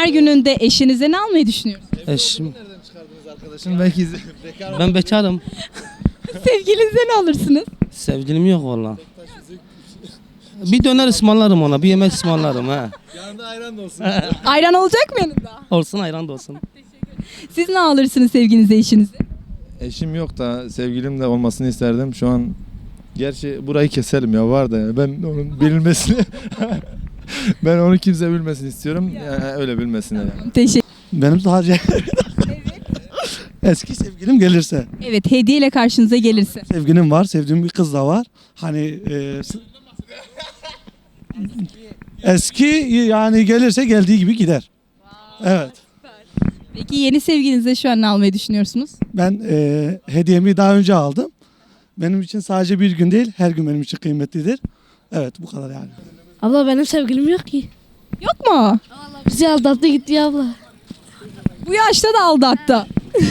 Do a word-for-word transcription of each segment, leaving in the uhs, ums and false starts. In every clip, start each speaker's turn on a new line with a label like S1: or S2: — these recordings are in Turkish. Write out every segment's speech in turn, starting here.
S1: Sevgililer gününde eşinize ne almayı düşünüyorsunuz?
S2: Eşim.
S3: Arkadaşım belki
S2: Ben bekarım.
S1: Sevgilinize ne alırsınız?
S2: Sevgilim yok valla. Bir döner ısmarlarım ona, bir yemek ısmarlarım ha.
S3: yanında ayran da olsun.
S1: Ayran olacak mı yanında?
S2: Olsun ayran da olsun.
S1: Siz ne alırsınız sevgilinize, eşinize?
S3: Eşim yok da sevgilim de olmasını isterdim. Şu an gerçi burayı keselim ya, var da yani. Ben onun bilinmesini ben onu kimse bilmesin istiyorum. Yani öyle bilmesin yani.
S1: Teşekkür.
S4: Benim sadece eski sevgilim gelirse.
S1: Evet, hediyeyle karşınıza gelirse.
S4: Sevgilim var, sevdiğim bir kız da var. Hani e, s- eski yani gelirse geldiği gibi gider. Evet.
S1: Peki yeni sevgilinize şu an ne almayı düşünüyorsunuz?
S4: Ben e, hediyemi daha önce aldım. Benim için sadece bir gün değil, her gün benim için kıymetlidir. Evet, bu kadar yani.
S5: Abla benim sevgilim yok ki.
S1: Yok mu?
S5: Bizi aldattı gitti abla.
S1: Bu yaşta da aldattı.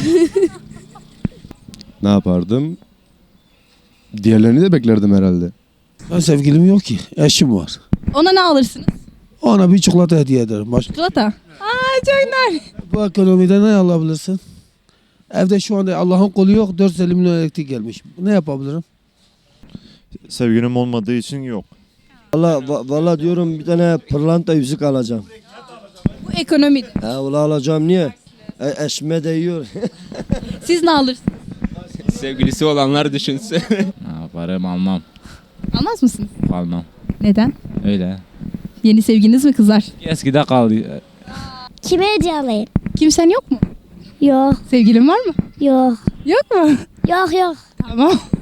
S6: Ne yapardım? Diğerlerini de beklerdim herhalde.
S7: Ben sevgilim yok ki. Eşim var.
S1: Ona ne alırsınız?
S7: Ona bir çikolata hediye ederim. Başka.
S1: Çikolata. Aa çok nar.
S7: Bu ekonomide ne alabilirsin? Evde şu anda Allah'ın kolu yok. dört yüz elli milyon elektrik gelmiş. Ne yapabilirim?
S8: Sevgilim olmadığı için yok.
S9: Valla valla diyorum bir tane pırlanta yüzük alacağım.
S1: Bu ekonomide.
S9: Ha ula alacağım niye? E, eşime değiyor.
S1: Siz ne alırsınız?
S10: Sevgilisi olanlar düşünsün. Ne yaparım almam.
S1: Almaz mısınız?
S10: Almam.
S1: Neden?
S10: Öyle.
S1: Yeni sevginiz mi kızar?
S10: Eskide kaldı.
S5: Kime hediye alayım?
S1: Kimsen yok mu?
S5: Yok
S1: Sevgilin var mı?
S5: yok
S1: Yok mu?
S5: yok yok.
S1: Tamam.